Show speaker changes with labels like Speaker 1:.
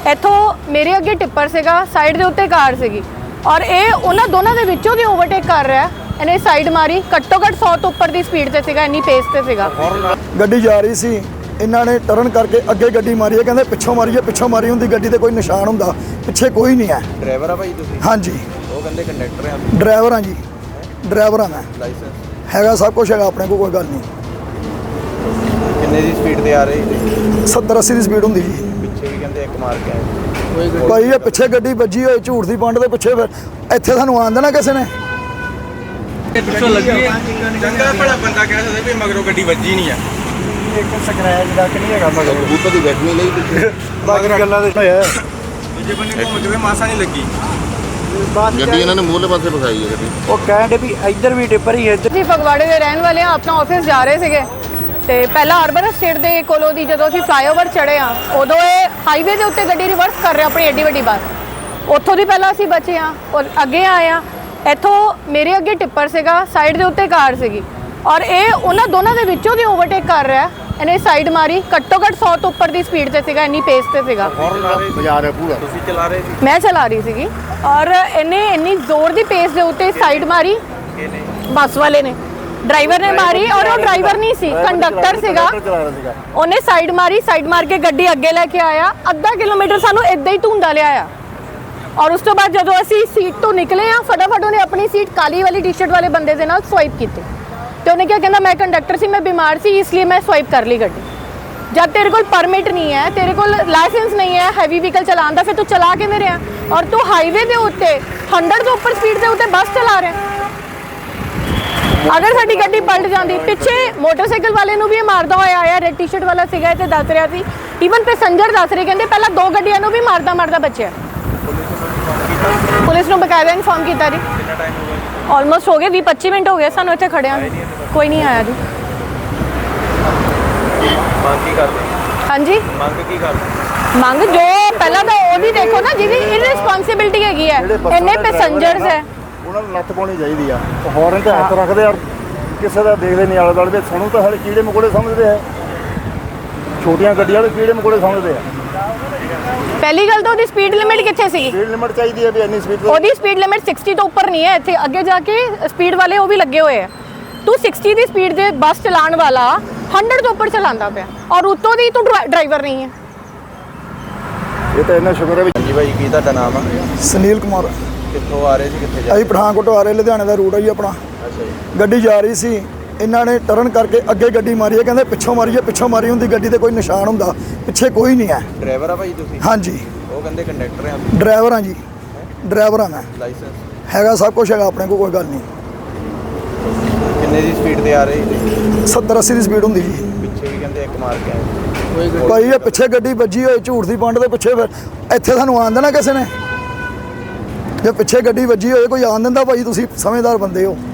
Speaker 1: ਇੱਥੋਂ ਮੇਰੇ ਅੱਗੇ ਟਿੱਪਰ ਸੀਗਾ, ਸਾਈਡ ਦੇ ਉੱਤੇ ਕਾਰ ਸੀਗੀ ਔਰ ਇਹ ਉਹਨਾਂ ਦੋਨਾਂ ਦੇ ਵਿੱਚੋਂ ਦੀ ਓਵਰਟੇਕ ਕਰ ਰਿਹਾ। ਇਹਨੇ ਸਾਈਡ ਮਾਰੀ, ਘੱਟੋ ਘੱਟ 100 ਤੋਂ ਉੱਪਰ ਦੀ ਸਪੀਡ ਤੇ ਸੀਗਾ, ਇੰਨੀ ਪੇਸ ਤੇ ਸੀਗਾ।
Speaker 2: ਗੱਡੀ ਜਾ ਰਹੀ ਸੀ, ਇਹਨਾਂ ਨੇ ਟਰਨ ਕਰਕੇ ਅੱਗੇ ਗੱਡੀ ਮਾਰੀ ਹੈ। ਕਹਿੰਦੇ ਪਿੱਛੋਂ ਮਾਰੀ ਹੈ, ਪਿੱਛੋਂ ਮਾਰੀ ਹੁੰਦੀ ਗੱਡੀ ਤੇ ਕੋਈ ਨਿਸ਼ਾਨ ਹੁੰਦਾ, ਪਿੱਛੇ ਕੋਈ ਨਹੀਂ ਹੈ।
Speaker 3: ਡਰਾਈਵਰ ਆ ਭਾਈ ਤੁਸੀਂ?
Speaker 2: ਹਾਂਜੀ।
Speaker 3: ਉਹ ਕਹਿੰਦੇ ਕੰਡਕਟਰ ਆ।
Speaker 2: ਡਰਾਈਵਰ ਹਾਂ ਜੀ, ਡਰਾਈਵਰ ਹਾਂ ਮੈਂ।
Speaker 3: ਲਾਇਸੈਂਸ
Speaker 2: ਹੈਗਾ, ਸਭ ਕੁਝ ਹੈਗਾ ਆਪਣੇ ਕੋਲ, ਕੋਈ ਗੱਲ ਨਹੀਂ।
Speaker 3: ਕਿੰਨੇ ਦੀ ਸਪੀਡ ਤੇ ਆ ਰਹੇ ਸੀ?
Speaker 2: 70-80 ਦੀ ਸਪੀਡ ਹੁੰਦੀ ਜੀ।
Speaker 3: ਪਿੱਛੇ ਵੀ ਕਹਿੰਦੇ ਇੱਕ ਮਾਰ ਕੇ ਆਏ।
Speaker 2: ਭਾਈ ਇਹ ਪਿੱਛੇ ਗੱਡੀ ਵੱਜੀ ਹੋਈ ਝੂਠ ਦੀ ਪੰਡ ਦੇ ਪਿੱਛੇ, ਫਿਰ ਇੱਥੇ ਸਾਨੂੰ ਆਉਣ ਦੇਣਾ ਕਿਸੇ ਨੇ?
Speaker 4: ਪਿੱਛੋਂ ਲੱਗੀ ਚੰਗਾ ਭਲਾ ਬੰਦਾ ਕਹਿ ਸਕਦਾ ਵੀ ਮਗਰੋਂ ਗੱਡੀ ਵੱਜੀ ਨਹੀਂ ਆ।
Speaker 2: ਇੱਕ ਸਕ੍ਰੈਚ ਦਾ ਕਿ ਨਹੀਂ ਹੈਗਾ ਮਗਰ
Speaker 3: ਕਬੂਤਰ ਦੀ ਬੈਠਣੀ ਲਈ ਪਿੱਛੇ
Speaker 2: ਬਾਕੀ ਗੱਲਾਂ ਦੇ ਹੋਇਆ।
Speaker 4: ਦੂਜੇ ਬੰਨੇ ਘੁੰਮ ਕੇ ਮਾਸਾ ਨਹੀਂ ਲੱਗੀ।
Speaker 3: ਗੱਡੀ ਇਹਨਾਂ ਨੇ ਮੂਹਰੇ ਪਾਸੇ ਫਸਾਈ ਹੈ ਗੱਡੀ।
Speaker 2: ਉਹ ਕਹਿੰਦੇ ਵੀ ਇੱਧਰ ਵੀ ਟਿੱਪਰ ਹੀ ਹੈ।
Speaker 1: ਅਸੀਂ ਫਗਵਾੜੇ ਦੇ ਰਹਿਣ ਵਾਲੇ ਆ, ਆਪਣਾ ਆਫਿਸ ਜਾ ਰਹੇ ਸੀਗੇ ਤੇ ਪਹਿਲਾਂ ਅਰਬਨ ਸਟੇਟ ਦੇ ਕੋਲੋਂ ਦੀ ਜਦੋਂ ਅਸੀਂ ਫਲਾਈਓਵਰ ਚੜ੍ਹੇ ਆ, ਉਦੋਂ ਇਹ ਹਾਈਵੇ ਦੇ ਉੱਤੇ ਗੱਡੀ ਰਿਵਰਸ ਕਰ ਰਿਹਾ ਆਪਣੀ ਏਡੀ ਵੱਡੀ ਬੱਸ। ਉੱਥੋਂ ਦੀ ਪਹਿਲਾਂ ਅਸੀਂ ਬਚੇ ਆ ਔਰ ਅੱਗੇ ਆਏ ਆ। ਇੱਥੋਂ ਮੇਰੇ ਅੱਗੇ ਟਿੱਪਰ ਸੀਗਾ, ਸਾਈਡ ਦੇ ਉੱਤੇ ਕਾਰ ਸੀਗੀ ਔਰ ਇਹ ਉਹਨਾਂ ਦੋਨਾਂ ਦੇ ਵਿੱਚੋਂ ਦੀ ਓਵਰਟੇਕ ਕਰ ਰਿਹਾ। ਇਹਨੇ ਸਾਈਡ ਮਾਰੀ, ਘੱਟੋ ਘੱਟ 100 ਤੋਂ ਉੱਪਰ ਦੀ ਸਪੀਡ ਤੇ ਸੀਗਾ, ਇੰਨੀ ਪੇਸ ਤੇ ਸੀਗਾ।
Speaker 3: ਬਾਜ਼ਾਰ ਹੈ ਪੂਰਾ। ਤੁਸੀਂ ਚਲਾ ਰਹੇ ਸੀ?
Speaker 1: ਮੈਂ ਚਲਾ ਰਹੀ ਸੀਗੀ ਔਰ ਇਹਨੇ ਇੰਨੀ ਜ਼ੋਰ ਦੀ ਪੇਸ ਦੇ ਉੱਤੇ ਸਾਈਡ ਮਾਰੀ। ਬੱਸ ਵਾਲੇ ਨੇ, ਡਰਾਈਵਰ ਨੇ ਮਾਰੀ ਔਰ ਉਹ ਡਰਾਈਵਰ ਨਹੀਂ ਸੀ, ਕੰਡਕਟਰ ਸੀਗਾ। ਉਹਨੇ ਸਾਈਡ ਮਾਰੀ, ਸਾਈਡ ਮਾਰ ਕੇ ਗੱਡੀ ਅੱਗੇ ਲੈ ਕੇ ਆਇਆ। ਅੱਧਾ ਕਿਲੋਮੀਟਰ ਸਾਨੂੰ ਇਦਾਂ ਹੀ ਧੁੰਦਾ ਲਿਆਇਆ ਔਰ ਉਸ ਤੋਂ ਬਾਅਦ ਜਦੋਂ ਅਸੀਂ ਸੀਟ ਤੋਂ ਨਿਕਲੇ ਆ, ਫਟਾਫਟ ਉਹਨੇ ਆਪਣੀ ਸੀਟ ਕਾਲੀ ਵਾਲੀ ਟੀ-ਸ਼ਰਟ ਵਾਲੇ ਬੰਦੇ ਦੇ ਨਾਲ ਸਵਾਈਪ ਕੀਤੀ ਤੇ ਉਹਨੇ ਕਿਹਾ, ਕਹਿੰਦਾ ਮੈਂ ਕੰਡਕਟਰ ਸੀ, ਮੈਂ ਬਿਮਾਰ ਸੀ, ਇਸ ਲਈ ਮੈਂ ਸਵਾਈਪ ਕਰ ਲਈ ਗੱਡੀ। ਜਦ ਤੇਰੇ ਕੋਲ ਪਰਮਿਟ ਨਹੀਂ ਹੈ, ਤੇਰੇ ਕੋਲ ਲਾਇਸੈਂਸ ਨਹੀਂ ਹੈ ਹੈਵੀ ਵਹੀਕਲ ਚਲਾਉਣ ਦਾ, ਫਿਰ ਤੂੰ ਚਲਾ ਕਿਵੇਂ ਰਿਹਾ? ਔਰ ਤੂੰ ਹਾਈਵੇ ਦੇ ਉੱਤੇ 100 ਤੋਂ ਉੱਪਰ ਸਪੀਡ ਦੇ ਉੱਤੇ ਬੱਸ ਚਲਾ ਰਿਹਾ। ਅਗਰ ਸਾਡੀ ਗੱਡੀ ਪਲਟ ਜਾਂਦੀ, ਪਿੱਛੇ ਮੋਟਰਸਾਈਕਲ ਵਾਲੇ ਨੂੰ ਵੀ ਇਹ ਮਾਰਦਾ ਹੋਇਆ ਆਇਆ। ਰੈਡ ਟੀ-ਸ਼ਰਟ ਵਾਲਾ ਸੀਗਾ ਤੇ ਦੱਸ ਰਿਹਾ ਸੀ, ਈਵਨ ਪੈਸੰਜਰ ਦੱਸ ਰਹੇ, ਕਹਿੰਦੇ ਪਹਿਲਾਂ 2 ਗੱਡੀਆਂ ਨੂੰ ਵੀ ਮਾਰਦਾ ਬਚਿਆ। ਪੁਲਿਸ ਨੂੰ ਬਕਾਇਦਾ ਇਨਫੋਰਮ ਕੀਤਾ ਜੀ।
Speaker 4: ਕਿੰਨਾ ਟਾਈਮ ਹੋ ਗਿਆ?
Speaker 1: ਆਲਮੋਸਟ ਹੋ ਗਏ 20-25 ਮਿੰਟ ਹੋ ਗਏ ਸਾਨੂੰ ਇੱਥੇ ਖੜਿਆਂ ਨੂੰ, ਕੋਈ ਨਹੀਂ ਆਇਆ ਜੀ।
Speaker 3: ਮੰਗ ਕੀ ਕਰਦੇ?
Speaker 1: ਹਾਂਜੀ,
Speaker 3: ਮੰਗ ਕੀ ਕਰਦੇ?
Speaker 1: ਮੰਗ ਜੋ ਪਹਿਲਾਂ ਤਾਂ ਉਹ ਵੀ ਦੇਖੋ ਨਾ, ਜਿਹਦੀ ਇਰਰਿਸਪੌਂਸਿਬਿਲਟੀ ਹੈਗੀ ਹੈ, ਇੰਨੇ ਪੈਸੰਜਰਸ ਹੈ।
Speaker 2: ਉਹਨਾਂ ਨੂੰ ਨੱਥ ਪਾਉਣੀ ਚਾਹੀਦੀ ਆ। ਹੌਰਨ ਤੇ ਹੱਥ ਰੱਖਦੇ ਆ, ਕਿਸੇ ਦਾ ਦੇਖਦੇ ਨਹੀਂ ਆਲੇ ਦੁਆਲੇ। ਸਾਨੂੰ ਤਾਂ ਹਲੇ ਕੀੜੇ ਮਕੌੜੇ ਸਮਝਦੇ ਆ, ਛੋਟੀਆਂ ਗੱਡੀਆਂ ਦੇ ਕੀੜੇ ਮਕੌੜੇ ਸਮਝਦੇ ਆ।
Speaker 1: ਪਹਿਲੀ ਗੱਲ ਤਾਂ ਉਹਦੀ ਸਪੀਡ ਲਿਮਿਟ ਕਿੱਥੇ ਸੀ?
Speaker 2: ਸਪੀਡ ਲਿਮਿਟ ਚਾਹੀਦੀ ਹੈ ਵੀ ਇੰਨੀ ਸਪੀਡ।
Speaker 1: ਉਹਦੀ ਸਪੀਡ ਲਿਮਿਟ 60 ਤੋਂ ਉੱਪਰ ਨਹੀਂ ਹੈ। ਇੱਥੇ ਅੱਗੇ ਜਾ ਕੇ ਸਪੀਡ ਵਾਲੇ ਉਹ ਵੀ ਲੱਗੇ ਹੋਏ ਆ। ਤੂੰ 60 ਦੀ ਸਪੀਡ ਦੇ ਬੱਸ ਚਲਾਉਣ ਵਾਲਾ 100 ਤੋਂ ਉੱਪਰ ਚਲਾਉਂਦਾ ਪਿਆ ਔਰ ਉੱਤੋਂ ਦੀ ਤੂੰ ਡਰਾਈਵਰ ਨਹੀਂ ਹੈ।
Speaker 2: ਇਹ ਤਾਂ ਇੰਨਾ ਸ਼ੁਕਰ ਹੈ ਵੀ।
Speaker 3: ਹਾਂਜੀ ਭਾਈ, ਕੀ ਤੁਹਾਡਾ ਨਾਮ ਆ?
Speaker 2: ਸੁਨੀਲ ਕੁਮਾਰ।
Speaker 3: ਕਿੱਥੋਂ ਆ ਰਹੇ ਸੀ, ਕਿੱਥੇ ਜਾ
Speaker 2: ਅਸੀਂ ਪਠਾਨਕੋਟ ਆ ਰਹੇ, ਲੁਧਿਆਣੇ ਦਾ ਰੂਟ ਹੈ ਜੀ ਆਪਣਾ।
Speaker 3: ਅੱਛਾ ਜੀ।
Speaker 2: ਗੱਡੀ ਜਾ ਰਹੀ ਸੀ, ਇਹਨਾਂ ਨੇ ਟਰਨ ਕਰਕੇ ਅੱਗੇ ਗੱਡੀ ਮਾਰੀ ਹੈ। ਕਹਿੰਦੇ ਪਿੱਛੋਂ ਮਾਰੀ ਹੈ, ਪਿੱਛੋਂ ਮਾਰੀ ਹੁੰਦੀ ਗੱਡੀ ਤੇ ਕੋਈ ਨਿਸ਼ਾਨ ਹੁੰਦਾ, ਪਿੱਛੇ ਕੋਈ ਨਹੀਂ ਹੈ।
Speaker 3: ਡਰਾਈਵਰ ਆ ਭਾਈ ਤੁਸੀਂ?
Speaker 2: ਹਾਂਜੀ।
Speaker 3: ਉਹ ਕਹਿੰਦੇ ਕੰਡਕਟਰ ਆ।
Speaker 2: ਡਰਾਈਵਰ ਹਾਂ ਜੀ, ਡਰਾਈਵਰ ਹਾਂ ਮੈਂ।
Speaker 3: ਲਾਇਸੈਂਸ
Speaker 2: ਹੈਗਾ, ਸਭ ਕੁਝ ਹੈਗਾ ਆਪਣੇ ਕੋਲ, ਕੋਈ ਗੱਲ ਨਹੀਂ।
Speaker 3: ਕਿੰਨੇ ਦੀ ਸਪੀਡ ਤੇ ਆ ਰਹੇ ਸੀ?
Speaker 2: 70-80 ਦੀ ਸਪੀਡ ਹੁੰਦੀ ਜੀ।
Speaker 3: ਪਿੱਛੇ ਵੀ ਕਹਿੰਦੇ ਇੱਕ ਮਾਰ ਕੇ ਆਏ।
Speaker 2: ਭਾਈ ਇਹ ਪਿੱਛੇ ਗੱਡੀ ਵੱਜੀ ਹੋਈ ਝੂਠ ਦੀ ਪੰਡ ਦੇ ਪਿੱਛੇ, ਫਿਰ ਇੱਥੇ ਸਾਨੂੰ ਆਉਣ ਦੇਣਾ ਕਿਸੇ ਨੇ? ਜੇ ਪਿੱਛੇ ਗੱਡੀ ਵੱਜੀ ਹੋਏ, ਕੋਈ ਆਉਣ ਦਿੰਦਾ? ਭਾਈ ਤੁਸੀਂ ਸਮਝਦਾਰ ਬੰਦੇ ਹੋ।